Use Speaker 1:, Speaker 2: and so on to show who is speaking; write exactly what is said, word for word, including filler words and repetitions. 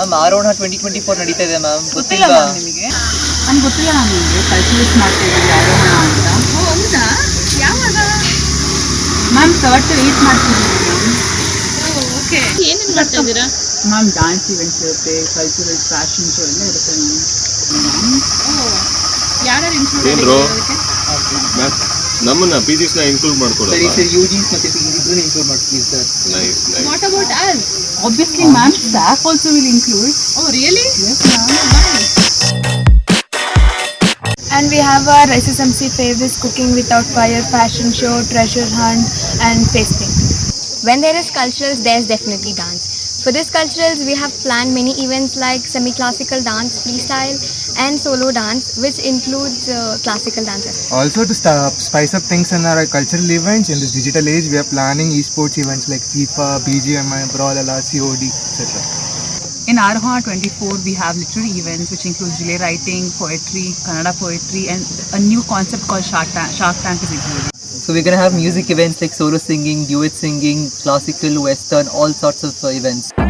Speaker 1: Ma'am ಆರೋಹಣ twenty twenty four ನಡೀತಾ ಇದೆ ಮ್ಯಾಮ್.
Speaker 2: ಗೊತ್ತಿಲ್ಲ
Speaker 1: ಗೊತ್ತಿಲ್ವಾ?
Speaker 2: ಮ್ಯಾಮ್ ನಿಮಗೆ? ನನ್ಗೆ ಗೊತ್ತಿಲ್ಲ ಮ್ಯಾಮ್ ನಿಮಗೆ ಕಲ್ಚರಲ್ಸ್ ಮಾಡ್ತಾ ಇದ್ದೀವಿ ಆರೋಹಣ ಅಂತ.
Speaker 3: ಹೌದಾ? ಯಾವಾಗ?
Speaker 2: ಮ್ಯಾಮ್ ಥರ್ಡ್ ಟು ಏಯ್ಟ್ ಮಾಡ್ತಿದ್ದೀವಿ ಮ್ಯಾಮ್.
Speaker 3: ಓಕೆ. ಏನೇನು ಮಾಡ್ತಾ ಇದ್ದೀರಾ?
Speaker 2: ಮ್ಯಾಮ್ ಡ್ಯಾನ್ಸ್ ಇವೆಂಟ್ಸ್ ಇರುತ್ತೆ, ಕಲ್ಚರಲ್ಸ್, ಫ್ಯಾಷನ್ ಶೋ ಎಲ್ಲ ಇರುತ್ತೆ ಮ್ಯಾಮ್.
Speaker 3: ಯಾರ್ಯಾರು ಇನ್ಕ್ಲೂಡ್
Speaker 4: ಏನ್ರೋ?
Speaker 3: ಆಗಿದ್ದಾರೆ?
Speaker 4: ನಮ್ಮನ್ನ ಫಿಸಿಕ್ಸ್ ನ ಇನ್ಕ್ಲೂಡ್ ಮಾಡ್ಕೊಡೋಣ.
Speaker 1: ಸರಿ ಸರ್, ಯು ಜಿಸ್ ಮತ್ತೆ ಪಿ ಜಿಸ್ ಇನ್ಕ್ಲೂಡ್ ಮಾಡ್ತೀವಿ sir.
Speaker 4: Nice nice.
Speaker 3: What about us?
Speaker 2: Obviously ma'am, staff also will include.
Speaker 3: Oh really?
Speaker 2: Yes ma'am.
Speaker 5: And we have our S S M C favorites, cooking without fire, fashion show, treasure hunt and face painting. When there is culturals, there is definitely dance. For this culturals, we have planned many events like semi-classical dance, freestyle and solo dance, which includes uh, classical dances.
Speaker 6: Also to st- spice up things in our cultural events in this digital age, we are planning esports events like FIFA, B G M I, Brawlhalla, C O D, et cetera.
Speaker 2: In Arohana twenty-four, we have literary events which include relay writing, poetry, Kannada poetry, and a new concept called Shark Tank, Shark Tank is included.
Speaker 1: So we're gonna have music events like solo singing, duet singing, classical, western, all sorts of uh, events.